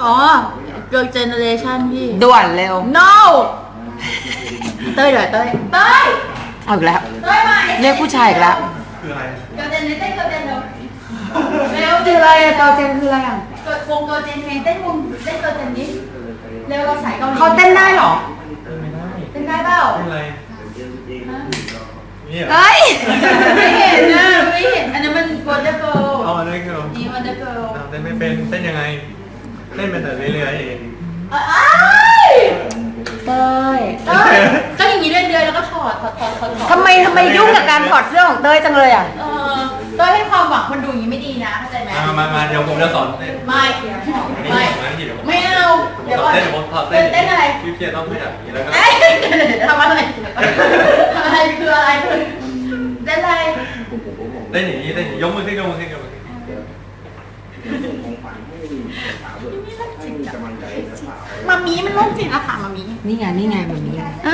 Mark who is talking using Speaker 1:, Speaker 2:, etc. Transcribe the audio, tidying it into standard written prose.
Speaker 1: อ๋อ Girl Generation พี่
Speaker 2: ด่วนเร็ว
Speaker 1: no เต้ยเดี๋ยวเต้ย
Speaker 2: เอาอีกแล้ว
Speaker 1: เต้ยมา
Speaker 2: เรียกผู้ชายอีกแล้ว
Speaker 3: คืออะไร
Speaker 1: Girl Generation Girl Gen เร็ว
Speaker 2: คืออะไรอะตอเจนคืออะไรอ่ะ
Speaker 1: เกิดวง Girl Gen เต้นวงเต้น Girl Gen นี้เร็วเราสายเกาหลี
Speaker 2: เขาเต้นได้เหรอ
Speaker 3: ไม่ได้
Speaker 1: เต้นได้เปล่า
Speaker 3: เป็นอะไรนี่เหรอ
Speaker 2: เฮ้ย
Speaker 1: ไม่เห็นนะไม่เห็นอันนั้นมัน Wonder Girl
Speaker 3: เอาอันนี้คือ
Speaker 1: นี่ Wonder Girl
Speaker 3: เต้นไม่เป็นเต้นยังไงเต้นเป็นแต่เรื่อยๆเอง
Speaker 1: อ้าย
Speaker 2: เต้ย
Speaker 1: เต้ยก็อย่างนี้เรื่อยๆแล้วก็ถอด
Speaker 2: ทำไมยุ่งกับการถอดเสื้อของเต้ยจังเลยอ่ะ
Speaker 1: เต้ยให้ความหวังคนดูอย่างนี้ไม่ดีนะเข้าใจไหม
Speaker 3: มาเดี๋ยวผมจะสอนเต้น
Speaker 1: ไม่ไม่เอาเดี๋ยวก่อน
Speaker 3: เต้นผมถอด
Speaker 1: เต้นอะไร
Speaker 3: พี่เพียรต้องขยับอย่างนี้แล้วก็
Speaker 1: เอ้ยทำอะไรทำอะไรคืออะไรเต้นอะไร
Speaker 3: เต้นอย่างนี้เต้นยกมือขึ้นยกมือขึ้นยกมือขึ้น
Speaker 1: มามีมันโรคจิตอะค่ะมามี
Speaker 2: นี่ไงแบบนี้